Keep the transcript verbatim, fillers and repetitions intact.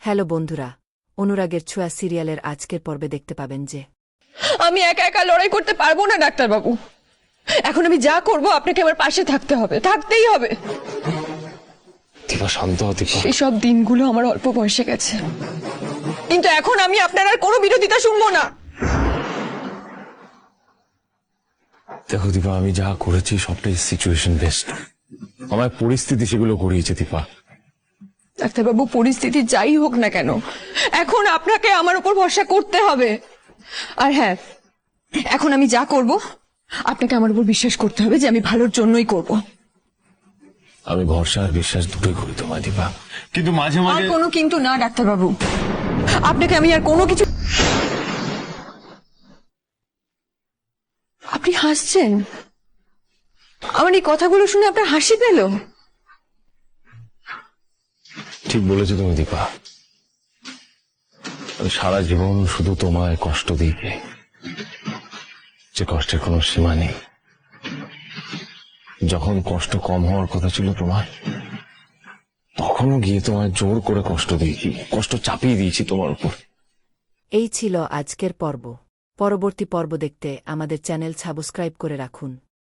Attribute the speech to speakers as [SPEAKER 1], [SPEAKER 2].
[SPEAKER 1] Hello বন্ধুরা, অনুরাগের ছোঁয়া সিরিয়ালের আজকের পর্বে দেখতে পাবেন যে
[SPEAKER 2] আমি একা একা লড়াই করতে পারবো না ডাক্তারবাবু। এখন আমি যা করব আপনাকে আমার পাশে থাকতে হবে, থাকতেই হবে।
[SPEAKER 3] দীপা শান্ত হ দীপা।
[SPEAKER 2] এসব দিনগুলো আমার অল্প বয়সে গেছে, কিন্তু এখন আমি আপনার আর কোনো বিরোধিতা শুনবো না।
[SPEAKER 3] দেখো দীপা, আমি যা করেছি সবটাই সিচুয়েশন বেস্ট। আমার পরিস্থিতি সেগুলো করিয়েছে দীপা।
[SPEAKER 2] ডাক্তারবাবু, পরিস্থিতি যাই হোক না কেন, এখন আপনাকে আমার উপর ভরসা করতে হবে। আর হ্যাঁ, এখন আমি যা করব আপনাকে আমার উপর বিশ্বাস করতে হবে যে আমি ভালোর জন্যই করব।
[SPEAKER 3] আমি ভরসা আর বিশ্বাস দুটোই করি তোমায় দীপা, কিন্তু মাঝে
[SPEAKER 2] আর
[SPEAKER 3] মাঝে
[SPEAKER 2] কোনো কিন্তু না ডাক্তারবাবু, আপনাকে আমি আর কোনো কিছু। আপনি হাসছেন, আমার এই কথাগুলো শুনে আপনার হাসি পেল?
[SPEAKER 3] ঠিক বলেছো তুমি দীপা। আমি সারা জীবন শুধু তোমায় কষ্ট দিই, যে কষ্টের কোনো সীমা নেই। যখন কষ্ট কম হওয়ার কথা ছিল তোমার, তখনও গিয়ে তোমায় জোর করে কষ্ট দিয়েছি, কষ্ট চাপিয়ে দিয়েছি তোমার উপর।
[SPEAKER 1] এই ছিল আজকের পর্ব। পরবর্তী পর্ব দেখতে আমাদের চ্যানেল সাবস্ক্রাইব করে রাখুন।